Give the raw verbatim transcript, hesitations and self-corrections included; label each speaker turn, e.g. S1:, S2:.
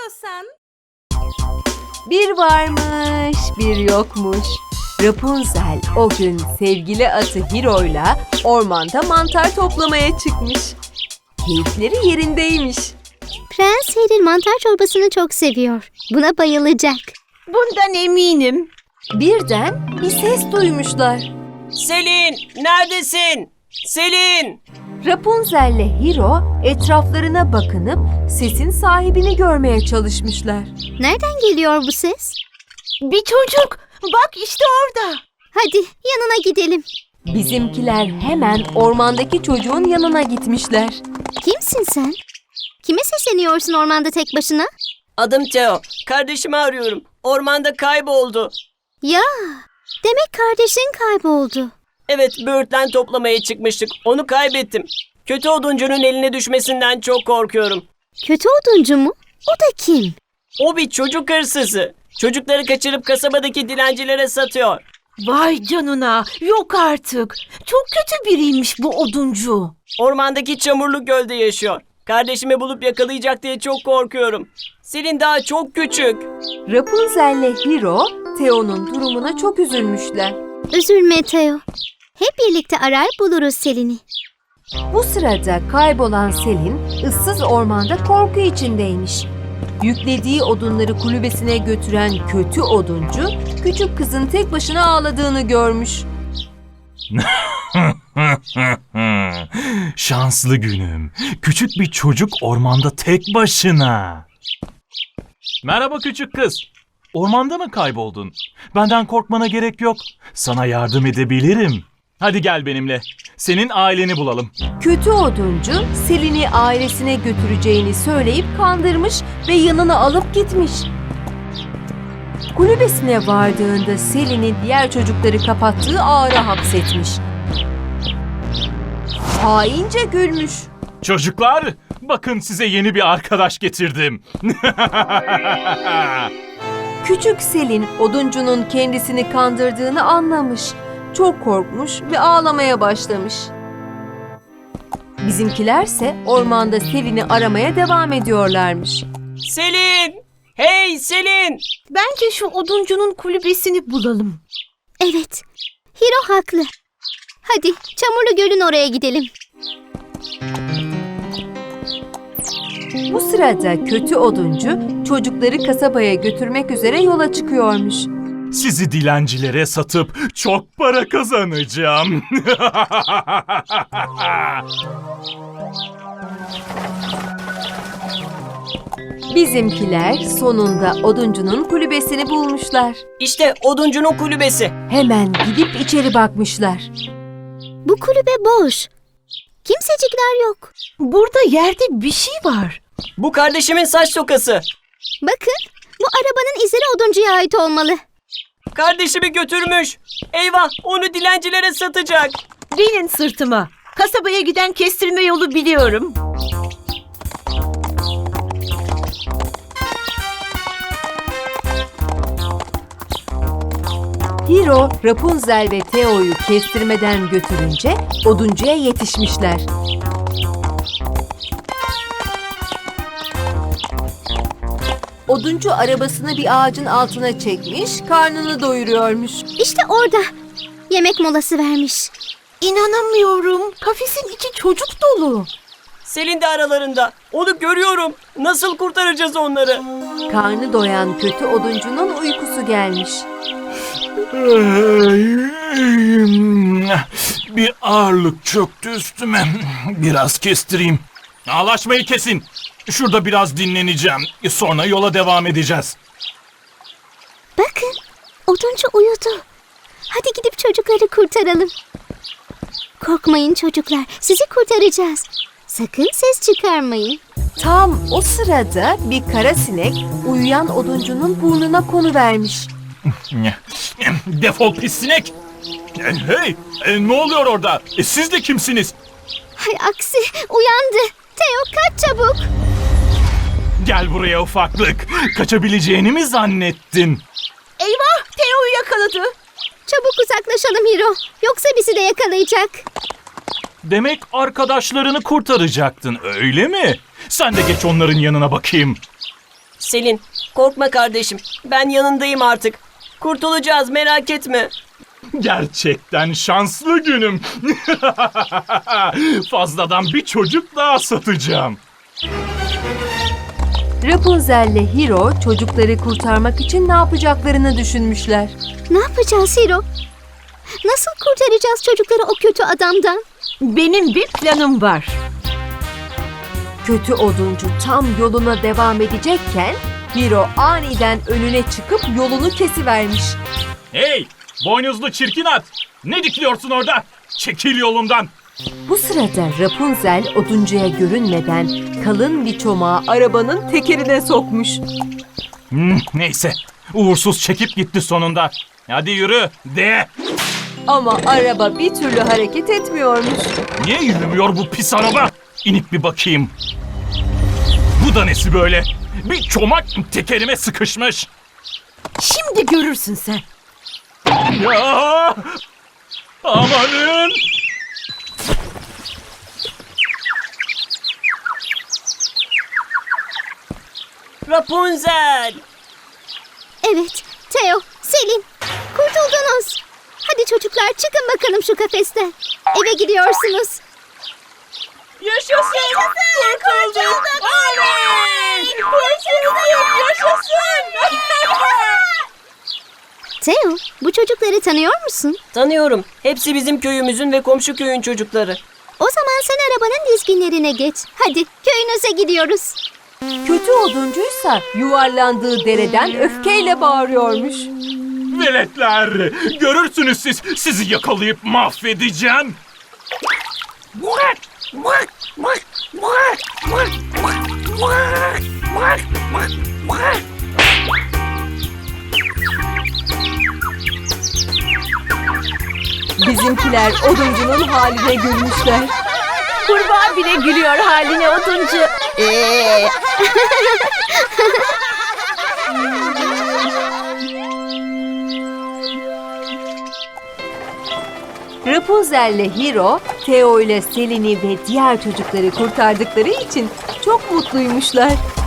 S1: istiyorsan.
S2: Bir varmış, bir yokmuş. Rapunzel o gün sevgili atı Hiro'yla ormanda mantar toplamaya çıkmış. Keyifleri yerindeymiş.
S3: Prens Harry mantar çorbasını çok seviyor. Buna bayılacak.
S1: Bundan eminim.
S2: Birden bir ses duymuşlar.
S4: Selin, neredesin? Selin!
S2: Rapunzel ile Hiro etraflarına bakınıp sesin sahibini görmeye çalışmışlar.
S3: Nereden geliyor bu ses?
S1: Bir çocuk. Bak işte orada.
S3: Hadi yanına gidelim.
S2: Bizimkiler hemen ormandaki çocuğun yanına gitmişler.
S3: Kimsin sen? Kime sesleniyorsun ormanda tek başına?
S4: Adım Theo. Kardeşimi arıyorum. Ormanda kayboldu.
S3: Ya, demek kardeşin kayboldu.
S4: Evet, böğürtlen toplamaya çıkmıştık. Onu kaybettim. Kötü oduncunun eline düşmesinden çok korkuyorum.
S3: Kötü oduncu mu? O da kim?
S4: O bir çocuk hırsızı. Çocukları kaçırıp kasabadaki dilencilere satıyor.
S1: Vay canına. Yok artık. Çok kötü biriymiş bu oduncu.
S4: Ormandaki çamurlu gölde yaşıyor. Kardeşimi bulup yakalayacak diye çok korkuyorum. Selin daha çok küçük.
S2: Rapunzel ile Hiro, Theo'nun durumuna çok üzülmüşler.
S3: Üzülme Theo. Hep birlikte arar buluruz Selin'i.
S2: Bu sırada kaybolan Selin, ıssız ormanda korku içindeymiş. Yüklediği odunları kulübesine götüren kötü oduncu, küçük kızın tek başına ağladığını görmüş.
S5: Şanslı günüm. Küçük bir çocuk ormanda tek başına. Merhaba küçük kız. Ormanda mı kayboldun? Benden korkmana gerek yok. Sana yardım edebilirim. Hadi gel benimle. Senin aileni bulalım.
S2: Kötü oduncu, Selin'i ailesine götüreceğini söyleyip kandırmış ve yanına alıp gitmiş. Kulübesine vardığında Selin'i diğer çocukları kapattığı ağıra hapsetmiş. Haince gülmüş.
S5: Çocuklar, bakın size yeni bir arkadaş getirdim.
S2: Küçük Selin, oduncunun kendisini kandırdığını anlamış. Çok korkmuş ve ağlamaya başlamış. Bizimkilerse ormanda Selin'i aramaya devam ediyorlarmış.
S4: Selin! Hey Selin!
S1: Bence şu oduncunun kulübesini bulalım.
S3: Evet, Hiro haklı. Hadi Çamurlu Göl'ün oraya gidelim.
S2: Bu sırada kötü oduncu çocukları kasabaya götürmek üzere yola çıkıyormuş.
S5: Sizi dilencilere satıp çok para kazanacağım.
S2: Bizimkiler sonunda oduncunun kulübesini bulmuşlar.
S4: İşte oduncunun kulübesi.
S2: Hemen gidip içeri bakmışlar.
S3: Bu kulübe boş. Kimsecikler yok.
S1: Burada yerde bir şey var.
S4: Bu kardeşimin saç tokası.
S3: Bakın, bu arabanın izleri oduncuya ait olmalı.
S4: Kardeşimi götürmüş. Eyvah, onu dilencilere satacak.
S1: Binin sırtıma. Kasabaya giden kestirme yolu biliyorum.
S2: Hiro, Rapunzel ve Theo'yu kestirmeden götürünce oduncuya yetişmişler. Oduncu arabasını bir ağacın altına çekmiş, karnını doyuruyormuş.
S3: İşte orada. Yemek molası vermiş.
S1: İnanamıyorum. Kafesin içi çocuk dolu.
S4: Selin de aralarında. Onu görüyorum. Nasıl kurtaracağız onları?
S2: Karnı doyan kötü oduncunun uykusu gelmiş.
S5: Bir ağırlık çöktü üstüme. Biraz kestireyim. Ağlaşmayı kesin. Şurada biraz dinleneceğim. Sonra yola devam edeceğiz.
S3: Bakın, oduncu uyudu. Hadi gidip çocukları kurtaralım. Korkmayın çocuklar, sizi kurtaracağız. Sakın ses çıkarmayın.
S2: Tam o sırada bir kara sinek uyuyan oduncunun burnuna konuvermiş.
S5: Defol pis sinek. Hey, e, ne oluyor orada? E, siz de kimsiniz?
S3: Hay aksi, uyandı. Theo kaç çabuk.
S5: Gel buraya ufaklık. Kaçabileceğini mi zannettin?
S1: Eyvah! Theo'yu yakaladı.
S3: Çabuk uzaklaşalım Hiro. Yoksa bizi de yakalayacak.
S5: Demek arkadaşlarını kurtaracaktın, öyle mi? Sen de geç onların yanına bakayım.
S4: Selin, korkma kardeşim. Ben yanındayım artık. Kurtulacağız, merak etme.
S5: Gerçekten şanslı günüm. Fazladan bir çocuk daha satacağım.
S2: Rapunzel ile Hiro çocukları kurtarmak için ne yapacaklarını düşünmüşler.
S3: Ne yapacağız Hiro? Nasıl kurtaracağız çocukları o kötü adamdan?
S1: Benim bir planım var.
S2: Kötü oduncu tam yoluna devam edecekken Hiro aniden önüne çıkıp yolunu kesivermiş.
S5: Hey, boynuzlu çirkin at. Ne dikiliyorsun orada? Çekil yolumdan.
S2: Bu sırada Rapunzel oduncuya görünmeden kalın bir çomağı arabanın tekerine sokmuş.
S5: Hmm, neyse, uğursuz çekip gitti sonunda. Hadi yürü, de.
S2: Ama araba bir türlü hareket etmiyormuş.
S5: Niye yürümüyor bu pis araba? İnip bir bakayım. Bu da nesi böyle? Bir çomak tekerime sıkışmış.
S1: Şimdi görürsün sen.
S5: Ya! Amanın!
S4: Rapunzel!
S3: Evet, Theo, Selin, kurtuldunuz. Hadi çocuklar çıkın bakalım şu kafesten. Eve gidiyorsunuz.
S4: Yaşasın! Kurtulduk! Oley! Kurtulduk! Yaşasın!
S3: Theo, bu çocukları tanıyor musun?
S4: Tanıyorum. Hepsi bizim köyümüzün ve komşu köyün çocukları.
S3: O zaman sen arabanın dizginlerine geç. Hadi köyünüze gidiyoruz.
S2: Kötü oduncuysa yuvarlandığı dereden öfkeyle bağırıyormuş.
S5: Veletler! Görürsünüz siz, sizi yakalayıp mahvedeceğim.
S2: Bizimkiler oduncunun haline gülmüşler.
S1: Kurbağa bile gülüyor haline oduncu. Ee,
S2: Rapunzel ile Hiro, Theo ile Selin'i ve diğer çocukları kurtardıkları için çok mutluymuşlar.